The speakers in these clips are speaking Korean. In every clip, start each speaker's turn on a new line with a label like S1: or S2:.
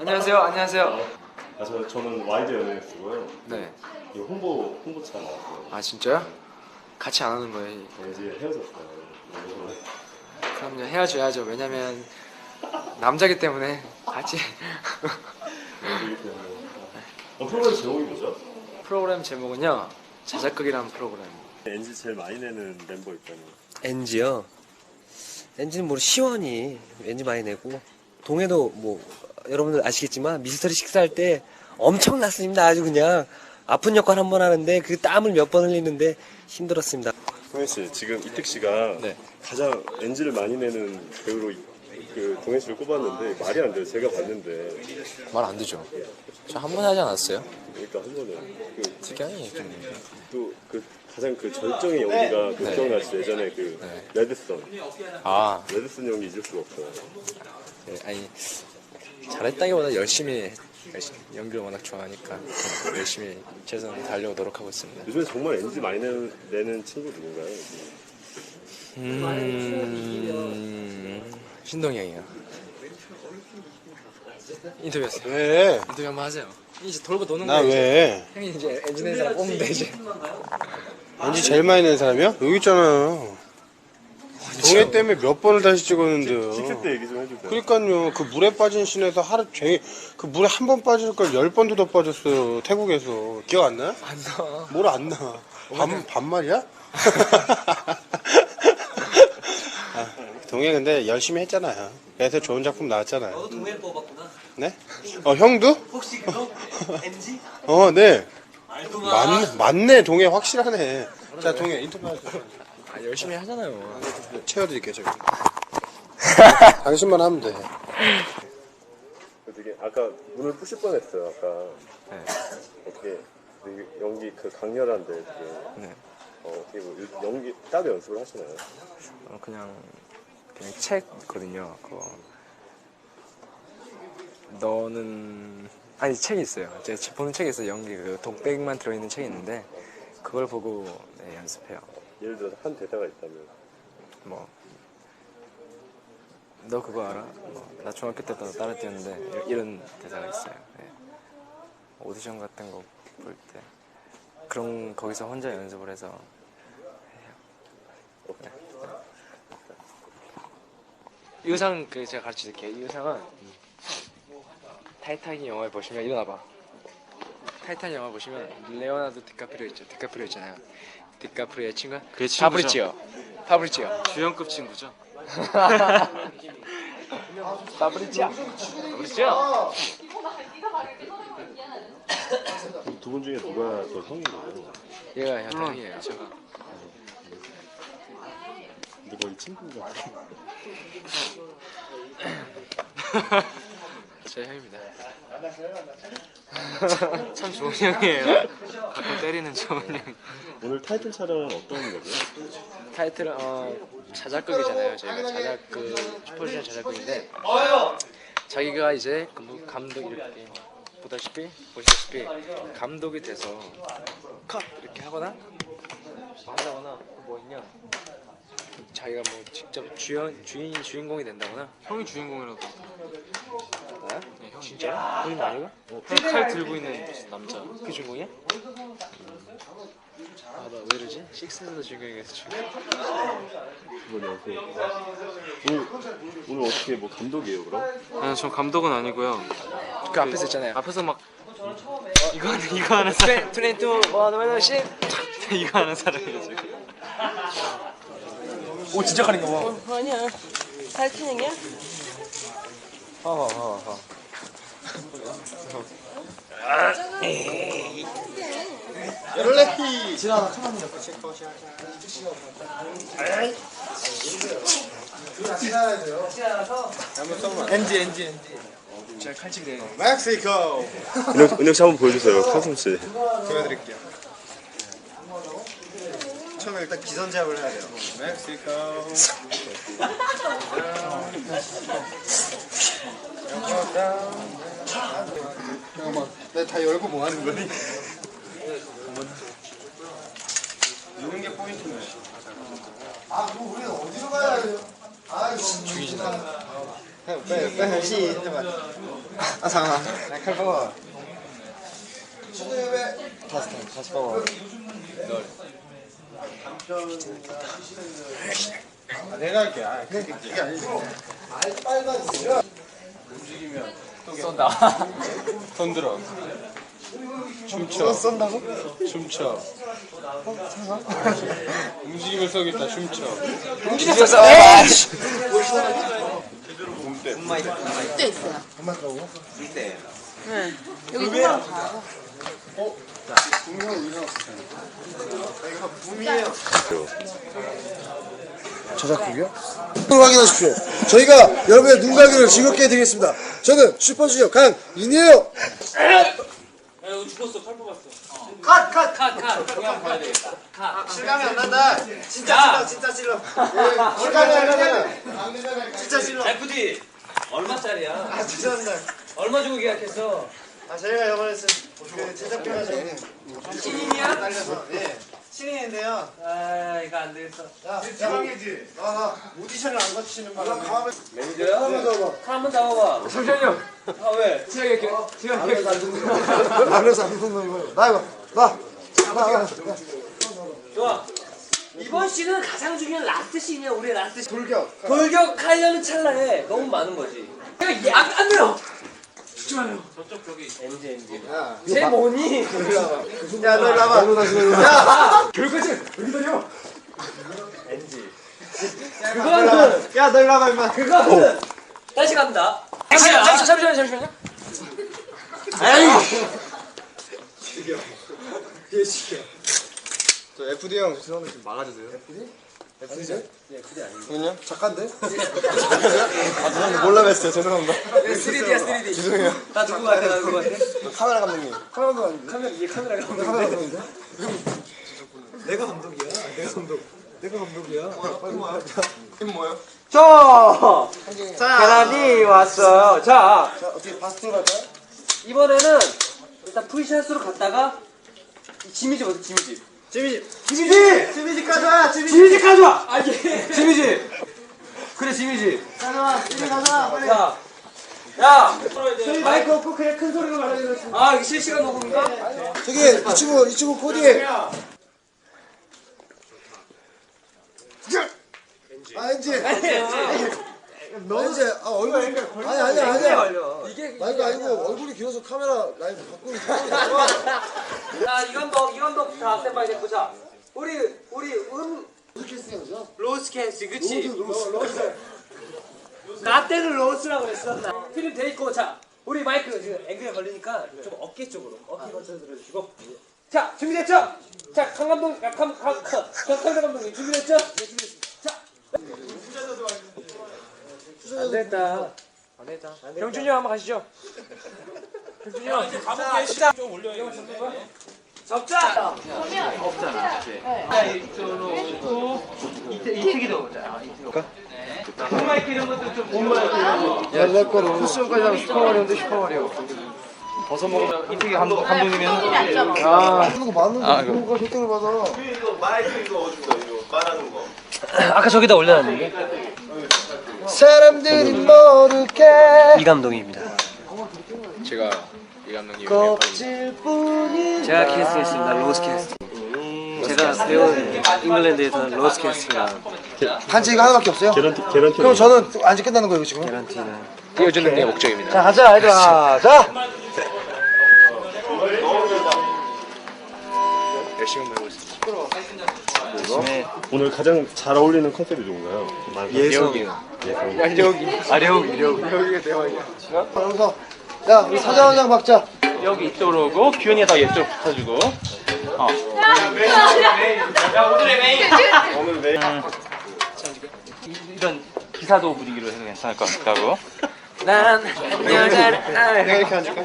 S1: 안녕하세요. 안녕하세요.
S2: 저는 와이드 연예뉴스고요.
S1: 네.
S2: 이 홍보차 나왔어요.
S1: 아 진짜요? 같이 안 하는 거예요?
S2: 이제 헤어졌어요.
S1: 그럼요. 헤어져야죠. 왜냐면 남자기 때문에 같이.
S2: 연기기 때문에. 프로그램 제목이 뭐죠?
S1: 프로그램 제목은요. 자작극이라는 프로그램.
S2: NG 제일 많이 내는 멤버 있잖아요.
S3: NG요? NG는 뭐 시원히 NG 많이 내고 동해도 뭐 여러분들 아시겠지만 미스터리 식사할 때 엄청났습니다. 아주 그냥 아픈 역할 한 번 하는데 그 땀을 몇 번 흘리는데 힘들었습니다.
S2: 동현 씨, 지금 이택 씨가
S1: 네.
S2: 가장 NG를 많이 내는 배우로 그 동현 씨를 꼽았는데 말이 안 돼요. 제가 봤는데.
S1: 말 안 되죠. 저 한 번 하지 않았어요?
S2: 그러니까 한 번에
S1: 특이하니 좀.
S2: 그 가장 그 절정의 연기가 그
S1: 네.
S2: 기억나시죠? 예전에 그
S1: 네.
S2: 레드선
S1: 아,
S2: 레드선 연기 잊을 수가 없어요.
S1: 네, 아니 잘했다기보다 열심히 연기를 워낙 좋아하니까 열심히 최선을 다하려고 노력하고 있습니다.
S2: 요즘에 정말 NG 많이 내는 친구 누군가요?
S1: 신동이 형이요. 인터뷰했어요.
S4: 왜?
S1: 인터뷰 한번 하세요. 이제 돌고 도는
S4: 나
S1: 거예요. 이제.
S4: 왜?
S1: 형이 이제 엔지니어 사람 뽑으면 돼 이제.
S4: NG 제일 많이 낸 사람이야? 여기 있잖아요. 동해 때문에 몇 번을 다시 찍었는데요.
S2: 식스 때 얘기 좀 해주세요.
S4: 그러니까요. 그 물에 빠진 씬에서 하루 종일 그 물에 한 번 빠질 걸 10번도 더 빠졌어요. 태국에서. 기억 안 나?
S1: 안 나.
S4: 뭘 안 나? 반말이야? 동해 근데 열심히 했잖아요. 그래서 좋은 작품 나왔잖아요.
S3: 너도 동해를 뽑았구나.
S4: 네? 형도?
S3: 혹시 그거 NG?
S4: 네.
S3: 알구만.
S4: 맞네. 동해 확실하네. 자, 동해 인터뷰 하세요.
S1: 아, 열심히 하잖아요.
S4: 채워드릴게요, 제가. 당신만 하면 돼.
S2: 되게 아까 눈을 부실 뻔했어요. 아까
S1: 네.
S2: 어떻게 되게 연기 그 강렬한데 되게
S1: 네.
S2: 어떻게 뭐 연기 따로 연습을 하시나요?
S1: 그냥 책 있거든요. 그거 너는 아니 책이 있어요. 제가 보는 책이 있어요. 연기 그 독백만 들어있는 책이 있는데 그걸 보고 네, 연습해요.
S2: 예를 들어서 한 대사가 있다면
S1: 뭐 너 그거 알아? 나 중학교 때도 따라 뛰었는데 이런 대사가 있어요. 네. 오디션 같은 거 볼 때 그런 거기서 혼자 연습을 해서 해요. 네. 이 의상 그 제가 가르쳐 드릴게요. 이 의상은 타이타닉 영화에 보시면 일어나봐. 타이타닉 영화 보시면 레오나르도 디카프리오 있죠. 디카프리오 있잖아요. 디카프리오의 친구?
S5: 그게 친구죠.
S1: 파브리치오.
S5: 주연급 친구죠.
S1: 파브리치오.
S2: 두 분 중에 누가 더 성인 거예요?
S1: 얘가
S5: 물론
S1: 형이에요.
S5: 제가
S2: 근데 거의 친구가
S1: 제 형입니다.
S5: 참 좋은 형이에요. 가끔 때리는 좋은 형.
S2: 오늘 타이틀 촬영은 어떤 거죠?
S1: 타이틀은 자작극이잖아요. 저희가 자작극 슈퍼주니어 자작극인데 자기가 이제 감독 이렇게 보시다시피 감독이 돼서 컷 이렇게 하거나 뭐 한다거나 뭐 있냐 자기가 뭐 직접 주인공이 된다거나.
S5: 형이 주인공이라고.
S1: 나야?
S5: 네, 형이.
S1: 진짜? 본인 아니고?
S5: 칼 들고 있는 남자.
S1: 그 주인공이야? 아, 나 왜 이러지? 식스에서 주인공이겠어 지금.
S2: 오늘 어떻게 뭐 감독이에요 그럼?
S5: 아니, 저 감독은 아니고요.
S1: 그 앞에서 있잖아요.
S5: 앞에서 막 이거 하는 사람.
S1: 트렌트 원원 신.
S5: 이거 하는 사람이에요 지금.
S1: 오 진짜 가는 거 봐.
S6: 아니야. 타이타닉이야?
S1: 제가 칼집이 돼요.
S4: 멕시코!
S2: 은혁 씨 한번 보여주세요. 카슴 씨.
S4: 보여드릴게요. 처음에 일단 기선제압을 해야 돼요. 멕시코. 잠깐만, 내가 다 열고 뭐 하는 거니? 이런 게 포인트네. 아, 그럼 우리는 어디로 가야 돼요?
S1: 죽이진 않아.
S7: 빼 시해봐. 아 잠깐만. 칼 뽑아. 다시 뽑아.
S4: 내가 할게. 그게 아니지.
S5: 쏜다.
S4: 손 들어. 춤춰.
S7: 쏜다고?
S4: 춤춰. 움직이면 쏘겠다. 춤춰.
S3: 움직였어.
S6: 또 있어요.
S7: 엄마라고?
S6: 네. 여기 통화로 가요.
S7: 저작곡이요? 확인하십시오. 저희가 여러분의 눈가기를 즐겁게 해드리겠습니다. 저는 슈퍼주니어 강인이에요.
S5: 실감이 안 난다. 진짜 찔러.
S7: 시간이 안 나면
S5: 진짜 찔러.
S3: FD 얼마짜리야?
S7: 아 죄송합니다.
S3: 얼마 주고 계약했어?
S7: 아 저희가 이번에 그 제작비가
S3: 신인이야?
S7: 날려서 예 신인인데요.
S3: 아 이거 안 되겠어.
S7: 야 지방이지. 나 오디션을 안 거치는 바람에
S3: 매니저야?
S7: 한번
S3: 한번 잡아봐.
S5: 잠시만요.
S3: 아 왜?
S5: 제가
S7: 안에서 안 듣는 거예요. 나 이거 나.
S3: 좋아. 이번 씬은 가장 중요한 라스트 씬이야. 우리의 라스트 씬.
S7: 돌격.
S3: 돌격하려는 찰나에 너무 많은 거지. 안 돼요. 죽지 마요. 저쪽 저기 MG.
S7: 야,
S3: 쟤 뭐니?
S7: 야, 너 일로 와봐. 야,
S3: 결과지 여기 다녀. MG. 그거는
S7: 야, 너 일로 와봐, 임마.
S3: 그거는 다시 갑니다. 잠시만요.
S7: 저 FD 형 죄송한데 좀 막아주세요. FD? 그냥 작가인데? 죄송합니다. 몰라 뵀어요. 죄송합니다.
S3: 3D야.
S7: 죄송해요.
S3: 나 누구 같아?
S7: 카메라 감독님. 카메라 감독 아닌데?
S3: 이게 카메라 감독.
S7: 카메라 감독인데? 내가 감독이야. 내가 감독이야. 빨리 와. 이건 뭐예요?
S3: 자, 계란이 왔어요. 자,
S7: 어떻게 바스트로 갈까요?
S3: 이번에는 일단 풀샷으로 갔다가 지미집 어디 지미집?
S7: 지미집 가져와.
S3: 지미집 가져와. 아 예. 지미집. 그래 지미집.
S7: 가져와. 지미 가져와. 빨리.
S3: 야. 마이크 없고 그냥 큰 소리로 말하는 거. 아 이게 실시간 녹음인가?
S7: 저기 이 친구 코디. 아 엔지. 엔지. 아 얼굴. 아니야.
S3: 이게
S7: 마이크 아니고 얼굴이 길어서 카메라 라인 바꾸는 거.
S3: 자 이건도 자 스탠바이 됐고 자 우리
S7: 캐스팅이죠?
S3: 로스캐스 그치?
S7: 로스.
S3: 나 때는 로스라고 그랬어. 필름 돼 있고 자 우리 마이크 지금 앵글에 걸리니까 좀 어깨 쪽으로 어깨 걸쳐 들어주시고 자 준비됐죠? 자 강 감독 강 감독님 준비됐죠? 네 준비됐습니다. 자 안 됐다. 병준이 형 한번 가시죠. 병준이 형 이제 가볼게. 시작 좀 올려요. 적자. 이특이도 보자. 홈마이크 이런 것도 좀 홈마이크 이런 거.
S7: 야, 내 거로 쿠션까지 하면 슈퍼마리오인데 슈퍼마리오.
S5: 벗어 먹으면 이특이 감독님이
S7: 아, 그런 거 많은데 그런 거 혜택을 받아.
S3: 아까 저기다 올려놨는데.
S7: 사람들이 모르게
S3: 이 감독입니다.
S1: 제가 이 감독님
S7: 껍질뿐이
S3: 제가 캐스팅했습니다. 로스 캐스팅. 제가 배운 잉글랜드에서 로스 캐스팅이라
S7: 한치가 하나밖에 없어요?
S2: 계란티.
S7: 그럼 저는 안지 끝나는 거예요 지금?
S3: 개런티는
S1: 띄워주는 게 목적입니다.
S7: 자 가자 얘들아 자
S1: 열심히 배우고 있습니다.
S2: 오늘 가장 잘 어울리는 컨셉이 누군가요?
S1: 예성이요.
S7: 여기가 대박이야 여기서 야 우리 사장 한 장 박자
S5: 여기 이쪽으로 오고 규현이가 더 이쪽 붙어주고.
S2: 오늘 내
S5: 이런 기사도 분위기로 해도 괜찮을 것 같다고.
S3: 난 안녕하잖아.
S7: 내가 이렇게 앉을까?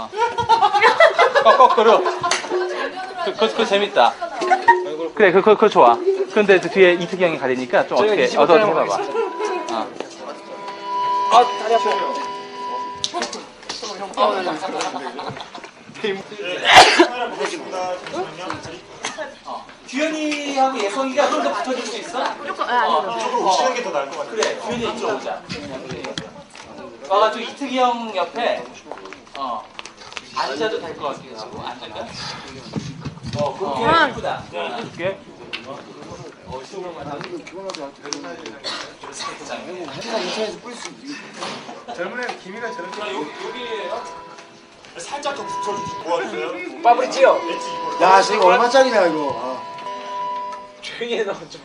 S5: 거꾸로. 그거 재밌다. 그래, 그거 좋아. 근데 그 뒤에 이특이 형이 가리니까 좀 어떻게 얻어 좀 해봐봐.
S3: 다리 아파. 규현이하고 예성이가 좀 더 붙어줄 수 있어?
S6: 조금 아니요.
S5: 쉬는 게 더 나을 것 같아. 그래, 규현이 이쪽으로 오자. 와가지고 이특이 형 옆에 앉아도 될 것 같기도 하고 앉을까? 그렇게 예쁘다. 해줄게.
S4: 젊은 애는 기미가 저렇게.
S7: 살짝 더 붙여주지. 뭐 하세요?
S3: 파브리치오.
S7: 야, 지금 얼마짜리냐 이거.
S3: 조용히 해, 너 좀.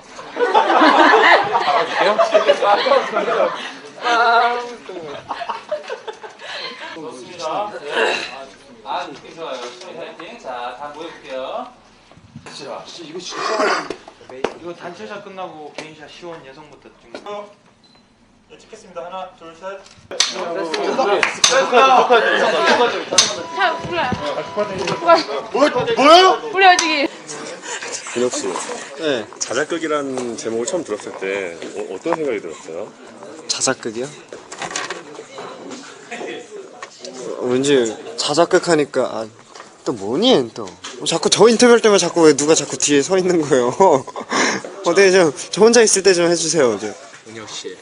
S5: 좋습니다. 네. 느낌 좋아요. 파이팅. 자, 다 모여볼게요.
S8: 이거 단체샷 끝나고 개인샷 시원 여성부터 찍는 거.
S2: 찍겠습니다. 하나, 둘, 셋.
S7: 뭐요?
S6: 우리 아직
S2: 근혁 씨,
S3: 네.
S2: 자작극이라는 제목을 처음 들었을 때 어떤 생각이 들었어요?
S3: 자작극이요? 왠지 자작극 하니까 또 뭐니 또 자꾸 저 인터뷰할 때만 자꾸 왜 누가 자꾸 뒤에 서 있는 거예요? 어떻게 좀 저 혼자 있을 때 좀 해주세요. 은혁 씨.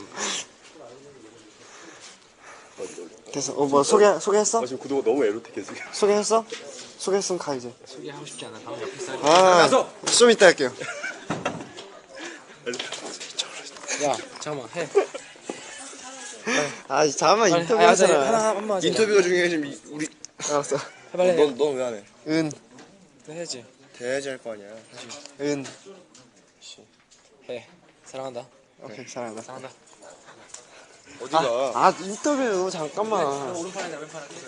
S3: 됐어. 뭐 소개했어?
S2: 지금 구도가 너무 에로틱해서.
S3: 소개했어? 소개했으면 가 이제.
S1: 소개하고 싶지 않아. 방금 옆에
S3: 좀 이따 할게요.
S1: 야, 잠깐만 해.
S3: 잠깐만 인터뷰 하잖아.
S1: 한번 하자.
S7: 인터뷰가 중요해 지금 우리.
S3: 알았어.
S1: 해발래.
S7: 넌 왜 안 해?
S3: 은.
S1: 해야지.
S7: 돼야지 할 거 아니야. 사실.
S3: 은.
S1: 해. 사랑한다.
S3: 오케이 사랑한다.
S1: 사랑한다.
S7: 어디가?
S3: 인터뷰 잠깐만.
S1: 오른팔이나 왼팔 할게.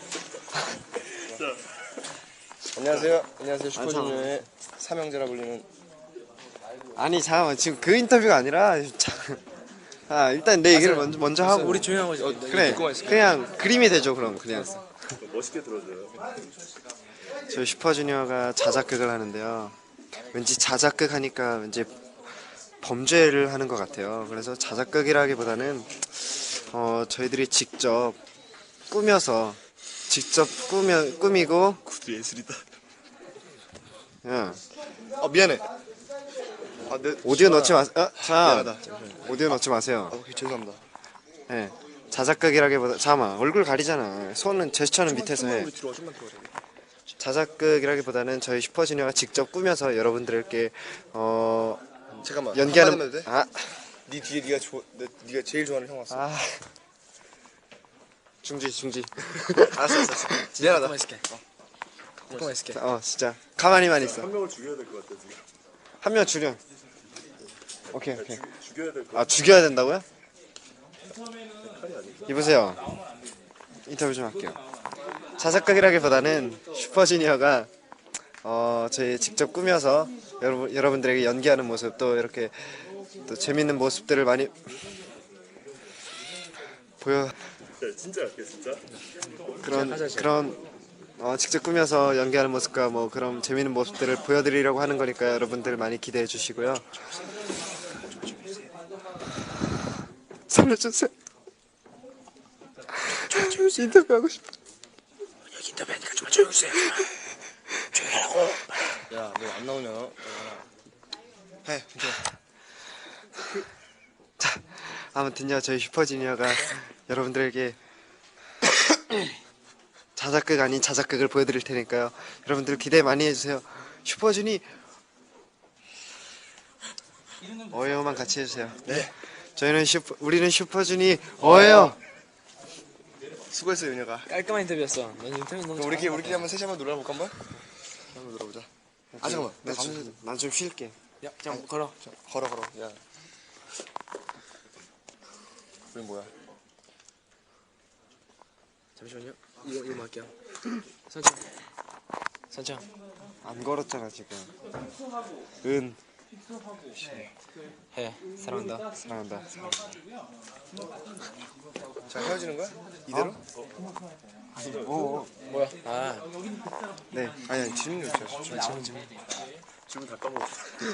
S7: 안녕하세요. 안녕하세요. 슈퍼주니어의 삼형제라 불리는.
S3: 아니 잠깐만 지금 그 인터뷰가 아니라 일단 내 얘기를 먼저 하고
S1: 우리 조용한 거지.
S3: 그래 그냥 그림이 되죠 그럼 그냥
S2: 멋있게 들어줘요.
S3: 저희 슈퍼주니어가 자작극을 하는데요 왠지 자작극 하니까 왠지 범죄를 하는 것 같아요 그래서 자작극이라기보다는 저희들이 직접 꾸며서 꾸미고
S7: 구두 예술이다.
S3: 야,
S7: 미안해.
S3: 오디오 넣지 마세요 자
S7: 미안하다.
S3: 오디오 넣지 마세요
S7: 오케이, 죄송합니다.
S3: 네. 자작극이라기보다 잠깐만 얼굴 가리잖아 손은 제스처는 밑에서 해
S7: 뒤로 좀만 들어와.
S3: 자작극이라기보다는 저희 슈퍼주니어가 직접 꾸며서 여러분들께
S7: 잠깐만.
S3: 연기하는
S7: 한마디만 해도 돼? 네 뒤에 네가 제일 좋아하는 형 왔어. 중지. 알았어. 미안하다.
S1: 조금만 있을게. 조금만 있을게.
S3: 진짜 가만히만 있어
S2: 한 명을 죽여야 될 것 같아 지금.
S3: 한 명 줄여 오케이
S2: 죽여야 될 것 같아.
S3: 죽여야 된다고요? 이보세요 인터뷰 좀 할게요 자작극이라기보다는 슈퍼주니어가 저희 직접 꾸며서 여러분들에게 연기하는 모습 또 이렇게 또 재밌는 모습들을 많이 보여
S2: 진짜 할게 진짜.
S3: 그런 직접 꾸며서 연기하는 모습과 뭐 그런 재밌는 모습들을 보여드리려고 하는 거니까 여러분들 많이 기대해 주시고요. 살려주세요. 인터뷰하고 싶어.
S1: 인터뷰하니까 좀 조용히 해주세요. 조용히 하라고.
S7: 야, 너 안 나오냐? 해.
S3: 자, 아무튼요 저희 슈퍼주니어가 여러분들에게 자작극 아닌 자작극을 보여드릴 테니까요. 여러분들 기대 많이 해주세요. 슈퍼주니 어예요만 같이 해주세요.
S7: 네.
S3: 우리는 슈퍼주니 어예요.
S7: 수고했어, 윤혁아.
S1: 깔끔한 인터뷰였어. 넌 인터뷰 너무
S7: 그럼 우리끼리 한번 셋이 한번 놀아볼까 한번? 한번 놀아보자. 잠깐만.
S3: 난 좀 쉴게.
S1: 야, 그냥 걸어.
S7: 걸어. 야. 우리 뭐야?
S1: 잠시만요. 이거 할게요. 선창.
S3: 안 걸었잖아 지금. 은
S1: 해. 사랑한다.
S3: 사랑한다.
S7: 자, 헤어지는 거야? 이대로?
S1: 뭐야?
S3: 네.
S7: 아니, 질문 좀 해줘.
S2: 질문 다 까먹었어.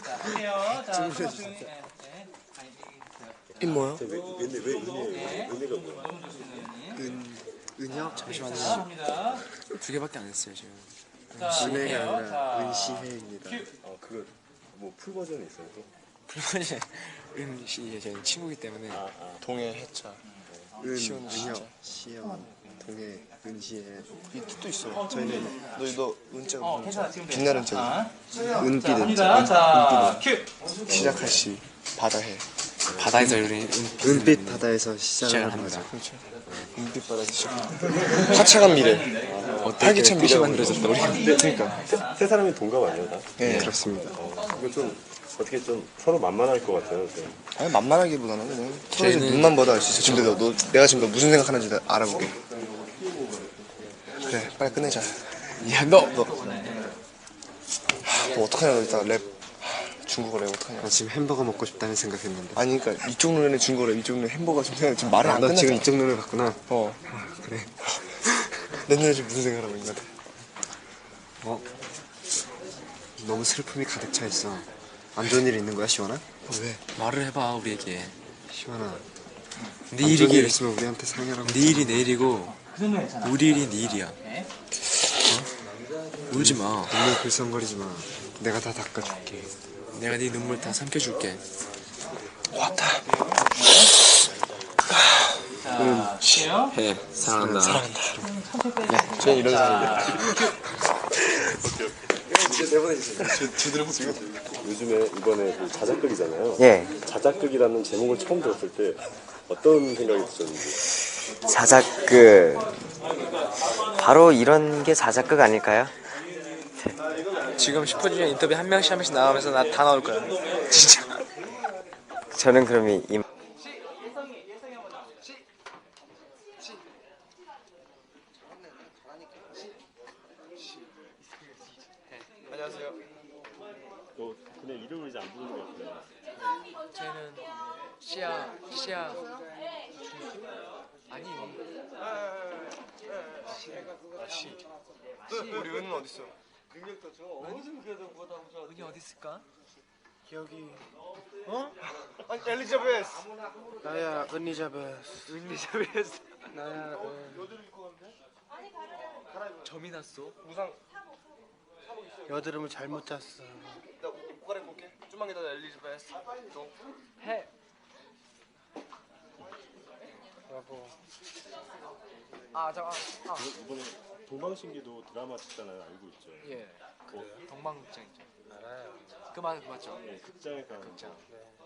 S3: 이 뭐야?
S2: 왜 은혜예요? 은혜가 뭐야?
S3: 은혁?
S1: 잠시만요. 2개밖에 안 했어요 지금.
S3: 은혜가 아니라 은시혜입니다.
S2: 그거 뭐 풀 버전이 있어요? 또?
S1: 불만이 은씨 저희 친구이기 때문에.
S7: 동해 해차. 은혁, 시연, 동해, 은시에 이 뜻도 있어. 저희는 너 은자가
S5: 괜찮아. 지금
S7: 빛나는
S5: 자,
S7: 자. 은빛
S5: 갑니다. 자, 큐.
S7: 시작할 시 바다해.
S1: 바다에서 우리
S7: 은빛 바다에서 시작을 하는 거죠. 그렇죠. 은빛 바다에서 시작. 화창한 미래. 활기찬 미래 만들어졌다 우리.
S2: 그러니까 세 사람이 동갑 아니에요 다?
S7: 네, 그렇습니다.
S2: 이거 좀 어떻게 좀 서로 만만할 것 같아요. 네.
S7: 아니 만만하기보다는 그냥 서로 지금 눈만 봐도 알 수 있어. 지금 내가 지금 너 무슨 생각하는지 알아볼게. 그래, 빨리 끝내자.
S1: 너
S7: 너 어떡하냐, 너 이따 랩 중국어 랩 어떡하냐.
S9: 나 지금 햄버거 먹고 싶다는 생각했는데.
S7: 아니 그러니까 이쪽 눈에는 중국어 랩, 이쪽 눈에 햄버거 좀 생각 지금 말이 안
S9: 너
S7: 끝났잖아.
S9: 지금 이쪽 눈을 봤구나.
S7: 그래. 내 눈에 지금 무슨 생각하고 있는 것 같아.
S9: 너무 슬픔이 가득 차 있어. 안 좋은 일 있는 거야, 시원아?
S7: 왜?
S1: 말을 해봐 우리에게.
S9: 시원아.
S1: 네
S9: 안 좋은 일
S1: 일이길.
S9: 있으면 우리한테 상의하라고.
S1: 네 일이 내일이고
S5: 그 정도 괜찮아.
S1: 우리 일이 내일이야.
S5: 네.
S1: 울지 마.
S9: 눈물 글썽거리지 마. 내가 다 닦아줄게.
S1: 내가 네 눈물 다 삼켜줄게.
S5: 자, 큐요.
S1: 해. 사랑한다.
S7: 저는 이런 사람이야.
S2: 요즘에 이번에 그 자작극이잖아요.
S10: 예,
S2: 자작극이라는 제목을 처음 들었을 때 어떤 생각이 드셨는지.
S10: 자작극. 바로 이런 게 자작극 아닐까요?
S3: 지금 10분 중에 인터뷰 한 명씩 나오면서 나 다 나올 거야. 진짜.
S10: 저는 그럼 이
S2: 너 그냥 이름을 이제 안 부르는 것 같아요.
S3: 저희는 시아 아니
S7: 우리 은은 어딨어?
S3: 은이 어디 있을까?
S4: 여기 아니 엘리자베스 나야 은리자베스 나야
S3: 점이 났어.
S4: 여드름을 잘못 짰어.
S7: 나 옷 갈아입을게. 좀만 기다려, 엘리자베스.
S3: 해.
S4: 여보
S2: 이번에 동방신기도 드라마 찍잖아요. 알고 있죠?
S3: 예.
S2: 뭐,
S3: 동방극장이죠.
S4: 알아요.
S3: 그 맞죠?
S2: 네, 극장에 가는
S3: 극장.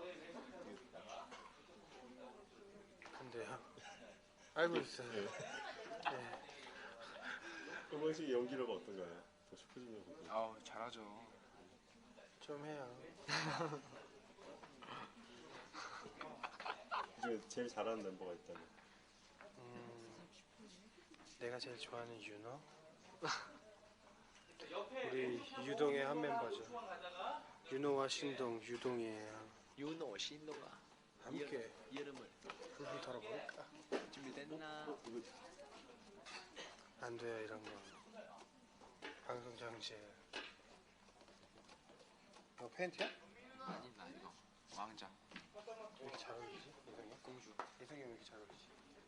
S4: 근데요. 알고 있어요.
S2: 동방신기 연기력은 어떤가요? 더 싶어지는 부분.
S3: 아우 잘하죠.
S4: 좀 해요.
S2: 그중에 제일 잘하는 멤버가 있다면?
S4: 내가 제일 좋아하는 윤호. 우리 유동의 한 멤버죠. 윤호와 신동, 유동이에요.
S3: 윤호 신동아.
S4: 함께
S3: 이름을
S4: 훌훌 털어볼까?
S3: 준비됐나?
S4: 안 돼요 이런 거. 방송 장치. 이거 팬티야?
S3: 아니 나 이거 왕자.
S4: 왜 이렇게 잘 어울리지? 이성이? 공주. 이성이 왜 이렇게 잘 어울리지?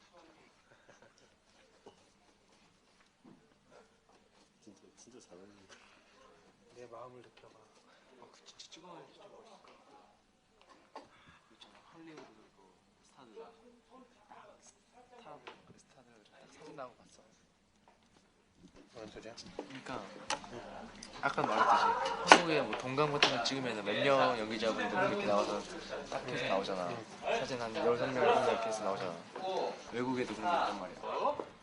S2: 진짜 잘하는.
S4: 내 마음을 느껴봐.
S3: 그 진짜 찍어놔야지 진짜 멋있어. 있잖아 할리우드 그 스타들 스타들 딱 사진 나온 거 봤어.
S4: 뭔 소리야?
S3: 그러니까 아까 말했듯이 한국에 뭐 동감 같은 거 찍으면 몇 명 연기자분들 이렇게 나와서 딱 해서 나오잖아. 사진 한 13명 이렇게 해서 나오잖아. 외국에도 그런 게 있단 말이야.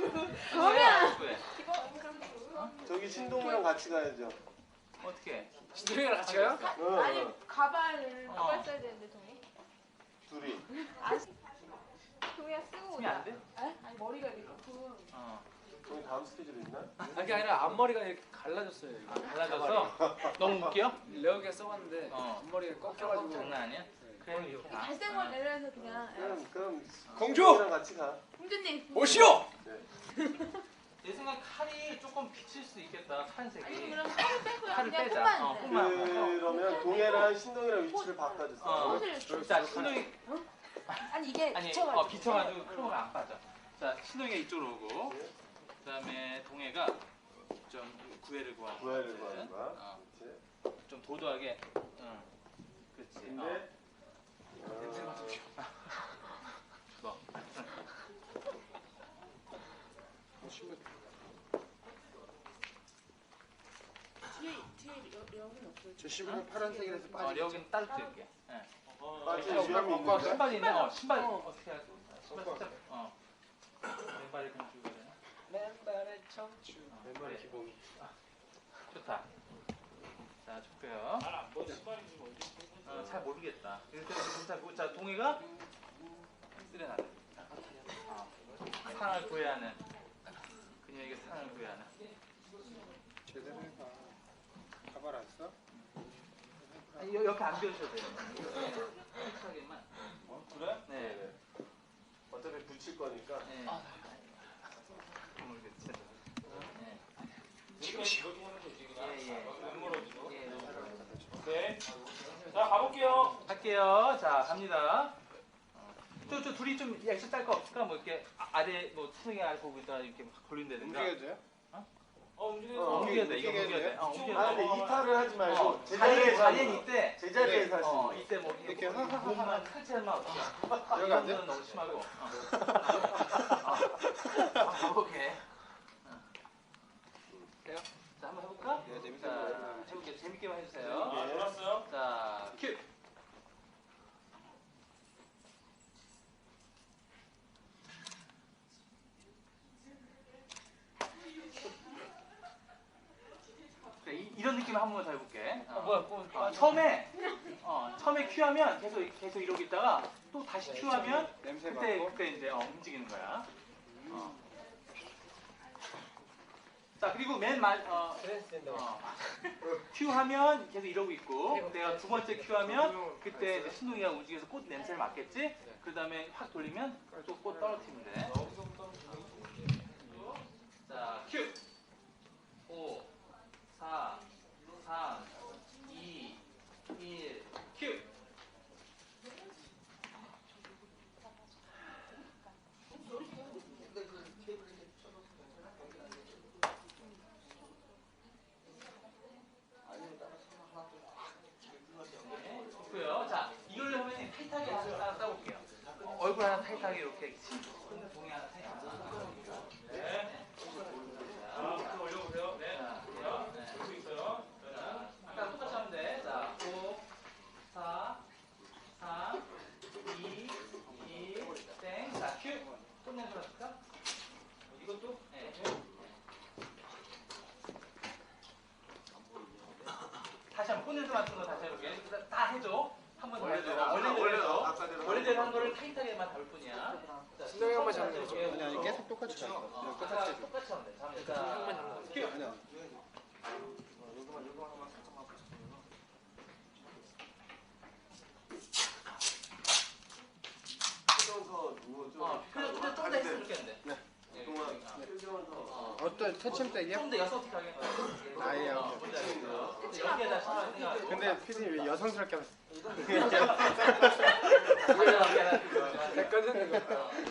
S4: 저기 신동이랑 같이 가야죠.
S5: 어떻게?
S3: 신동이랑 같이 가요?
S6: 아니 가발 써야 되는데 동이.
S4: 둘이.
S6: 동이야 쓰고
S5: 쓰면 안 돼?
S6: 아니 머리가 이렇게 조금.
S4: 동이 다음 스케줄 있나?
S3: 그게 아니라 앞머리가 이렇게 갈라졌어요. 이거.
S5: 달라져서 너무 웃겨?
S3: 레어기가 써봤는데
S5: 어.
S3: 앞머리가 꺾여가지고
S5: 장난 아니야? 그래 이렇게 다.
S6: 잘생긴 애라서 그냥.
S4: 그럼
S3: 공주!
S4: 신동이랑 같이 가.
S6: 공주님.
S3: 오시오!
S5: 내 생각 칼이 조금 비칠 수 있겠다.
S6: 아니
S5: 칼색이.
S6: 그럼 칼을 빼고
S5: 칼을
S6: 그냥
S5: 빼자.
S6: 끝만.
S5: 끝만.
S4: 그러면 동해랑 신동이랑 위치를 바꿔주세요.
S5: 자 신동이
S6: 아니 이게
S5: 아니
S6: 비쳐가지고.
S5: 비쳐가지고 크로가 안 빠져. 자 신동이가 이쪽으로 오고 그다음에 동해가 좀 구애를 구하는 거야.
S4: 구애를 구하는 거야.
S5: 어.
S4: 그렇지.
S5: 좀 도도하게. 응. 그렇지.
S4: 근데
S5: 뭐.
S4: 저 신발 파란색이라서
S5: 여기는 따로 뜰게. 예.
S4: 빠지.
S5: 신발이 있네. 신발 어떻게 할까? 신발 살짝 맨발에 그냥 주고 가야 되나? 맨발에 청춘.
S4: 왼발의 기본.
S5: 좋다. 자, 좋고요. 잘 모르겠다. 자, 동해가 쓰레나. 상을 구해하는. 그녀에게 상을 구해하는.
S4: 제대로 해봐. 가발 안 써?
S5: 아니, 옆에 안 비워주셔도 돼요. 솔직하게만.
S2: 그래?
S5: 네.
S2: 어차피 붙일 거니까.
S5: 네. 모르겠지. 네.
S8: 네. 자, 가볼게요.
S5: 할게요. 자, 갑니다. 저 둘이 좀 액션 딸 거 없을까? 뭐 이렇게 아래 뭐 수능에 아래 보고 있다가 이렇게 막 걸린다든가.
S4: 움직여도 돼요?
S5: 움직여야 돼. 이거 움직여야 돼. 움직여야 돼.
S2: 아, 근데 이탈을 하지 말고
S5: 자리엔 이때.
S2: 제자리에서 하시는
S5: 이때 뭐
S4: 이렇게
S5: 몸만 살짝만 어떻게.
S4: 여기 안 돼?
S5: 이거는 너무 심하고. 오케이. 돼요? 자, 한번 해볼까?
S4: 네, 재밌게
S5: 자, 해볼게요. 재밌게만 해주세요.
S8: 알았어요.
S5: 자, 큐. 그래, 이런 느낌을 한 번만 더 해볼게. 처음에 큐하면 계속 이러고 있다가 또 다시 큐하면
S4: 냄새
S5: 그때
S4: 맡고.
S5: 그때 이제 움직이는 거야. 자, 그리고 큐 하면 계속 이러고 있고, 내가 두 번째 큐 하면 그때 이제 신동이가 움직여서 꽃 냄새를 맡겠지? 그 다음에 확 돌리면 또 꽃 떨어뜨리면 돼. 자, 큐! 5, 4, 3, 2, 1, 큐! 좋고요. 자, 이걸로 하면 타이트하게 하나 따볼게요. 얼굴 하나 타이트하게 이렇게 동이 하나 타이트하게.
S8: 네. 자, 올려보세요. 네. 올리고 있어요.
S5: 자, 아까 똑같이 하면 돼. 자, 5, 4, 3, 2, 1, 땡. 자, 큐. 꽃 냄새 맡을까? 이것도? 네. 다시 한번 꽃 냄새 맡은 거 다시 해볼게. 다 해줘. 한번 원래대로 한 거를 타이트하게만 잡을 뿐이야.
S4: 신동이 형만 잡는 거죠? 아니 계속 똑같이 가. 똑같이 해줘.
S5: 똑같이 하면 돼. 자, 큐.
S4: 아니야.
S5: 그래, 좀더 했으면 좋겠는데.
S4: 네.
S5: 어.
S4: 어떤 태침대기요?
S5: 좀더 여성틱하게.
S4: 아예
S5: 뭔지 알겠어요? 여기에다 신발 생각하고.
S4: 근데 피디님 왜 여성스럽게 하면
S5: 가져가게 하는 거.
S4: 객관적인 거.